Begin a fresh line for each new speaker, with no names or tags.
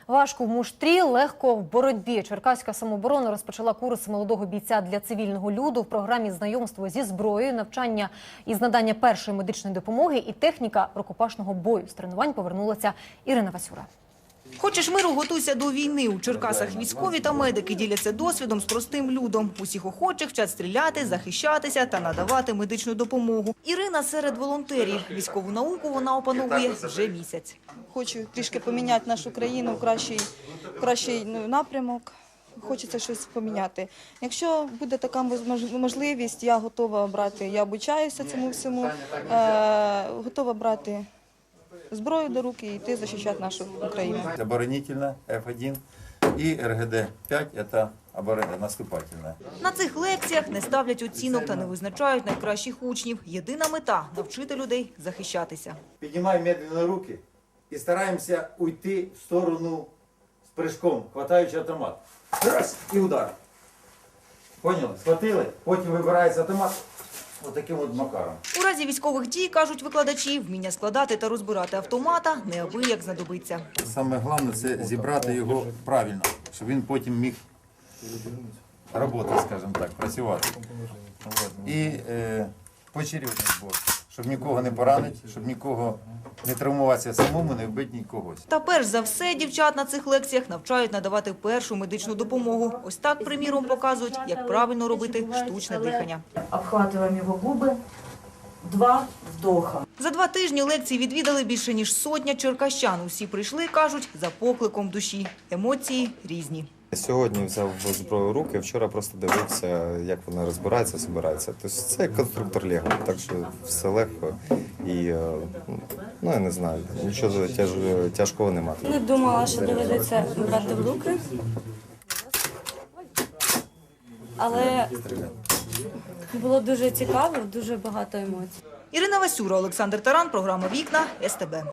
Важко в муштрі, легко в боротьбі. Черкаська самооборона розпочала курс молодого бійця для цивільного люду в програмі знайомство зі зброєю, навчання із надання першої медичної допомоги і техніка рукопашного бою. З тренувань повернулася Ірина Васюра.
Хочеш миру – готуйся до війни. У Черкасах військові та медики діляться досвідом з простим людом. Усіх охочих вчать стріляти, захищатися та надавати медичну допомогу. Ірина серед волонтерів. Військову науку вона опановує вже місяць.
Хочу трішки поміняти нашу країну в кращий напрямок. Хочеться щось поміняти. Якщо буде така можливість, я готова брати, я обучаюся цьому всьому, готова брати зброю до руки і йти захищати нашу Україну.
Оборонительна F1 і РГД-5 – це наступательна.
На цих лекціях не ставлять оцінок та не визначають найкращих учнів. Єдина мета – навчити людей захищатися.
Піднімаємо медленно руки і стараємося уйти в сторону з прыжком, хватаючи автомат. Раз – і удар. Поняли? Схватили, потім вибирається автомат. Ось таким от макаром.
У разі військових дій, кажуть викладачі, вміння складати та розбирати автомата неабияк знадобиться.
Саме головне – це зібрати його правильно, щоб він потім міг працювати, скажімо так, працювати. І поочередний збор, щоб нікого не поранити, щоб нікого не травмуватися самому, не вбити нікого.
Та перш за все дівчат на цих лекціях навчають надавати першу медичну допомогу. Ось так, приміром, показують, як правильно робити штучне дихання.
Обхватываем его губы, 2 вдоха.
За 2 тижні лекції відвідали більше ніж сотня черкащан. Усі прийшли, кажуть, за покликом душі. Емоції різні.
Сьогодні взяв зброю в руки, вчора просто дивився, як вона розбирається, збирається. Тобто це як конструктор Лего, так що все легко і, я не знаю, нічого тяжкого немає.
Не думала, що доведеться брати в руки, але було дуже цікаво, дуже багато емоцій.
Ірина Васюра, Олександр Таран, програма «Вікна», СТБ.